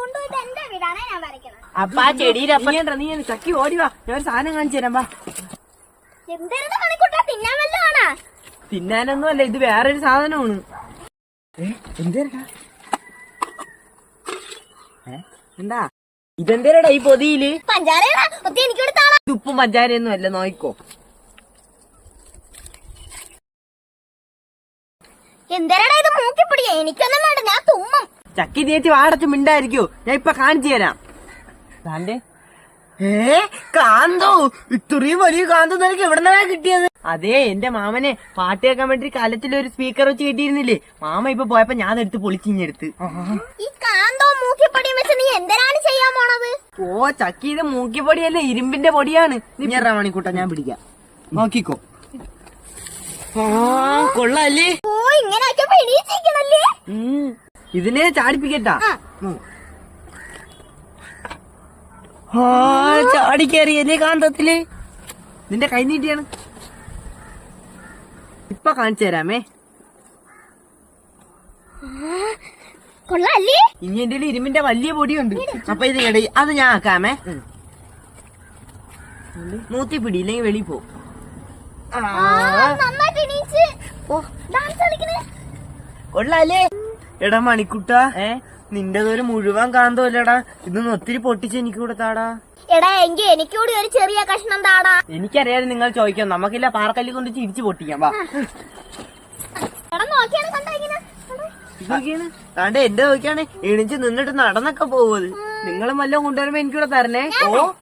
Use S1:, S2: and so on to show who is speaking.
S1: കൊണ്ടുപോയിട്ട് എന്റെ വീടാണ് ഞാൻ വരയ്ക്കണം.
S2: അപ്പൊ ആ ചെടിയുടെ അപ്പം നീ ചക്കി ഓടിവാ, ഞാൻ ഒരു സാധനം കാണിച്ചു തരാം. വാ.
S1: എന്തെങ്കിലും മണിക്കൂട്ടാ തിന്നാൻ വല്ലതാണാ?
S2: തിന്നാനൊന്നും അല്ല, ഇത് വേറൊരു സാധനമാണ്. എന്താ ഇതെന്തേരടാ ഈ പൊതിയില്?
S1: പഞ്ചാരയാ ഒത്തി എനിക്ക് കൊടുത്താളാ.
S2: ഇത് ഉപ്പും പഞ്ചാരയൊന്നും അല്ല, നോയിക്കോ.
S1: എന്തേരടാ ഇത് മൂക്കിപ്പൊടിയാ? എനിക്കൊന്നും വേണ്ട, ഞാൻ തുമ്മും.
S2: ചക്കി ചേച്ചി വാടച്ച് മിണ്ടായിരിക്കോ, ഞാൻ ഇപ്പൊ കാണിച്ചു തരാം. കാന്തോ, ഇത്രയും വലിയ കാന്തോ നിനക്ക് എവിടെന്നാ കിട്ടിയത്? അതെ, എന്റെ മാമനെ പാട്ട് കേൾക്കാൻ വേണ്ടി കാലത്തിലൊരു സ്പീക്കർ വെച്ച് കിട്ടിയിരുന്നില്ലേ, മാമ ഇപ്പൊ പോയപ്പോ ഞാൻ എടുത്ത് പൊളിച്ചിഞ്ഞെടുത്ത്.
S1: ഈ കാന്തോ മൂക്കിപ്പൊടിയും വെച്ച് നീ എന്തിനാണ് ചെയ്യാൻ പോണത്?
S2: ഓ ചക്കി, ഇത് മൂക്കിപ്പൊടിയല്ലേ, ഇരുമ്പിന്റെ പൊടിയാണ്. നീ മണിക്കൂട്ട, ഞാൻ പിടിക്കാം, നോക്കിക്കോ. കൊള്ളാല്ലേ?
S1: ഓ ഇങ്ങനെ എണീച്ചിരിക്കണല്ലേ.
S2: ഇതിനെ ചാടിപ്പിക്കട്ടാ. ചാടിക്കേറിയല്ലേ കാന്തത്തില്. നിന്റെ കൈ നീട്ടിയാണ്, ഇപ്പൊ കാണിച്ചു തരാമേ.
S1: കൊള്ളാല്ലേ?
S2: ഇനി എന്റെ ഇരുമ്പിന്റെ വലിയ പൊടിയുണ്ട്, അപ്പൊ ഇത് അത് ഞാൻ ആക്കാമേ. മൂത്തി പിടി, ഇല്ലെങ്കിൽ വെളി പോ. കൊള്ളാല്ലേ? എടാ മണിക്കുട്ട, നിന്റെതൊരു മുഴുവൻ കാന്തോല്ലടാ, ഇതൊന്ന് ഒത്തിരി പൊട്ടിച്ച് എനിക്ക് കൊടുത്താടാ.
S1: എടാ എങ്കിൽ എനിക്കൂടി ഒരു ചെറിയ കഷ്ണം താടാ.
S2: എനിക്കറിയാതെ നിങ്ങൾ ചോദിക്കാം, നമുക്കില്ല പാറക്കല്ലി കൊണ്ട് ചിരിച്ചു പൊട്ടിക്കാം. വാ. ഇതൊക്കെയാണ് താണ്ടെ എന്റെ നോക്കിയാണ് എണിച്ച് നിന്നിട്ട് നടന്നൊക്കെ പോവത്. നിങ്ങളും വല്ലതും കൊണ്ടുവരുമ്പോ എനിക്കൂടെ തരണേ. ഓ